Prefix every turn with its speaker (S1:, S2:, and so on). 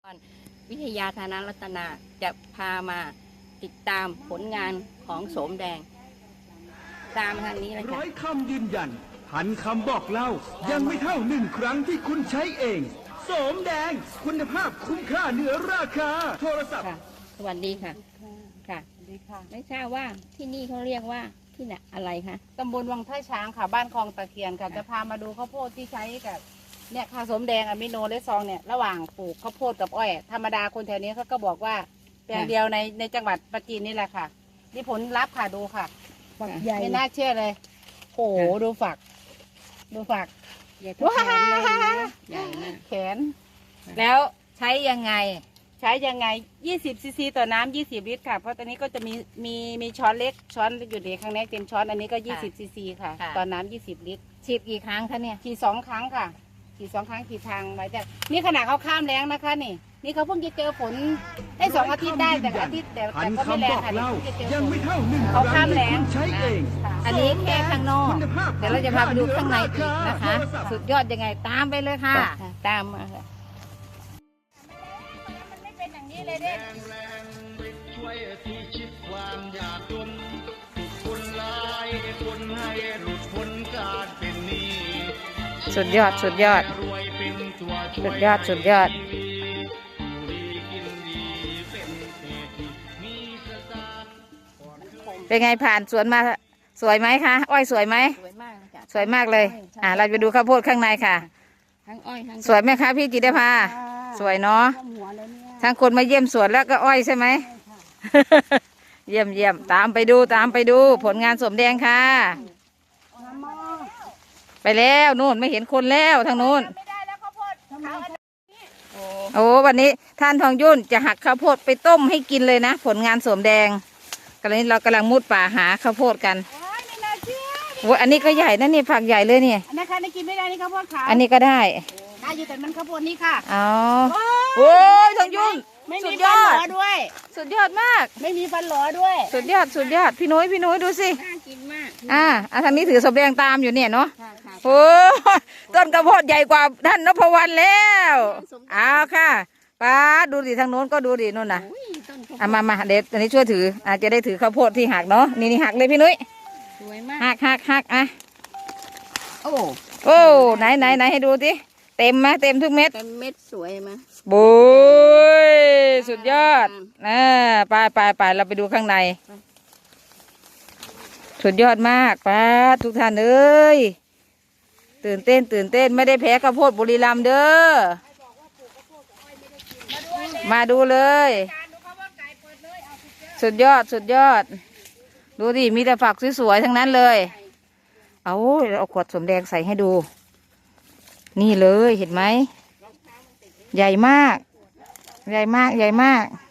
S1: วิทยาธนรัตนาจะพามาติดตามผลงานของโสมแดงตามทางนี้เลยค่ะ
S2: ร้อยคำยืนยันพันคำบอกเล่ายังไม่เท่า1 ครั้งที่คุณใช้เองโสมแดงคุณภาพคุ้มค่าเหนือราคาโทรศัพท์
S1: ค่ะ สวัสดีค่ะค่ะไม่ทราบว่าที่นี่เขาเรียกว่าที่ไหนอะไรคะ
S3: ตำบลวังท่าช้างค่ะบ้านคลองตะเคียนค่ะจะพามาดูข้าวโพดที่ใช้กับเนี่ยค่ะสมแดงอะมิโนและซองเนี่ยระหว่างปลูกข้าวโพดกับอ้อยธรรมดาคนแถวนี้เขาก็บอกว่าแปลงเดียวในจังหวัดปราจีนนี่แหละค่ะนี่ผลลัพธ์ค่ะดูค่ะ
S1: ฝักใหญ่
S3: ไม่น่าเชื่อเลยโอ้โหดูฝัก ดูฝัก
S1: ใหญ่เท่าแขนเลยนะใหญ่มาก
S3: แขน แล้วใช้ยังไง ใช้ยังไง20 ซีซีต่อน้ำ20 ลิตรค่ะเพราะตอนนี้ก็จะมีช้อนเล็กช้อนอยู่ในข้างในเต็มช้อนอันนี้ก็20 ซีซีค่ะต่อน้ำ20 ลิตร
S1: ฉีดกี่ครั้งคะเนี่ย
S3: ขี่2 ครั้งค่ะขี่2 ครั้งขี่ทางไว้แต่นี่ขนาดเขาข้ามแรงนะคะนี่เขาเพิ่งจะเจอฝนได้2 อาทิตย์ได้แต่อาทิตย์แต่
S2: พัน
S3: ก็ไม่แร
S2: คำบ
S3: ง
S2: อก
S3: ค่ะ
S2: เล่า
S3: เพิ่งจะเจอ
S2: ยัง
S3: ฝ
S2: ไม่
S3: น
S2: เท่า1
S3: เขา
S2: ครั้
S3: ข้าง มแล้
S2: ที่
S3: ง
S2: คุณใช้เอง
S1: อันนี้แค่ข้างนอกเดี๋ยวเราจะพาไปดูข้างในอีกนะคะ สุดยอดยังไงตามไปเลยค่ะตามมาค่ะ
S3: มันไม่เป็นอย่างนี้เลยเด้
S4: ช่วยที่ชิดความยากจนทุกคนหลายคนให้หลุดพ้นการเป็นหนี้
S1: สุดยอดสุดยอด
S4: รวยเป็นตัวช่วย
S1: สุดยอดสุดยอด
S4: ให้ชีวิตอยู่ดีกินดีเป็นเศรษฐีมีสตางค์ก่อนเคย
S1: เป็นไงผ่านสวนมาสวยไหมคะอ้อยสวยไหม
S3: สวยมากเลยจ้ะ
S1: สวยมากเลยเราไปดูข้าวโพดข้างในค่ะ
S3: ทั้งอ้อยทั้ง
S1: สวยไหมคะพี่จิตรภาสวยเนาะ
S3: ท่วมหัวเลยเนี่ย
S1: ทั้งคนมาเยี่ยมสวนแล้วก็อ้อยใช่ไหม เยี่ยมเยี่ยมตามไปดูผลงานสมแดงค่ะ ไปแล้วนู่นไม่เห็นคนแล้วทางนู้น
S3: ไม่ได้แล้วข้าวโพดเขาอันนี้
S1: โอ้วันนี้ท่านทองยุ่นจะหักข้าวโพดไปต้มให้กินเลยนะ ผลงานสมแดงตอนนี้เรากำลังมุดป่าหาข้าวโพดกัน
S3: โอ้ยไม่น่าเชื่อ
S1: โอ้อันนี้ก็ใหญ่นะนี่ผักใหญ่เลยเนี่ย
S3: อันนั้นค่ะนี่กินไม่ได้นี่ข้าวโพดขาว
S1: อันนี้ก็ได้
S3: ได้อยู่แต่มันข้าวโพดนี่ค่ะ
S1: อ๋อโอ้ยทองยุ่น
S3: ไม่
S1: สุ
S3: มี
S1: ดย
S3: ฟัน
S1: อ
S3: ห
S1: ด
S3: ลอด้วย
S1: สุดยอดมาก
S3: ไม่มีฟันหลอด้วย
S1: สุดยอดพี่นุ้ยดูสิ
S3: น่ากินมาก
S1: ทางนี้ถือสมแดงตามอยู่เนี่ยเนาะ
S3: ค่ะค่ะ
S1: โอ้ต้นกระโพดใหญ่กว่าท่านนพวรรณแล้วเอาค่ะป้าดูดิทางโน้นก็ดูดินู่นน่ะ
S3: อุ้ยต้นข้าวโพด
S1: มาเด็ดอันนี้ช่วยถือจะได้ถือข้าวโพดที่หักเนาะนี่หักเลยพี่นุ้ย
S3: สวยมาก
S1: หักอ่ะ
S3: โอ้
S1: โอ้ไหนให้ดูสิเต็มไหมเต็มทุกเม็ด
S3: เต็มเม็ดสวยไหม
S1: บุยสุดยอดไปเราไปดูข้างใน สุดยอดมากป้าทุกท่านเอ้ยตื่นเต้นไม่ได้แพ้ข้าวโพดบุรีรัมย์เด้อมาดูเลย
S3: การดูข้าวโพดไก่เปิดเลยเอาสุดยอด
S1: สุดยอดดูดิมีแต่ฝักสวยๆทั้งนั้นเลยเอาขวดสมแดงใส่ให้ดู นี่เลยเห็นไหมใหญ่มาก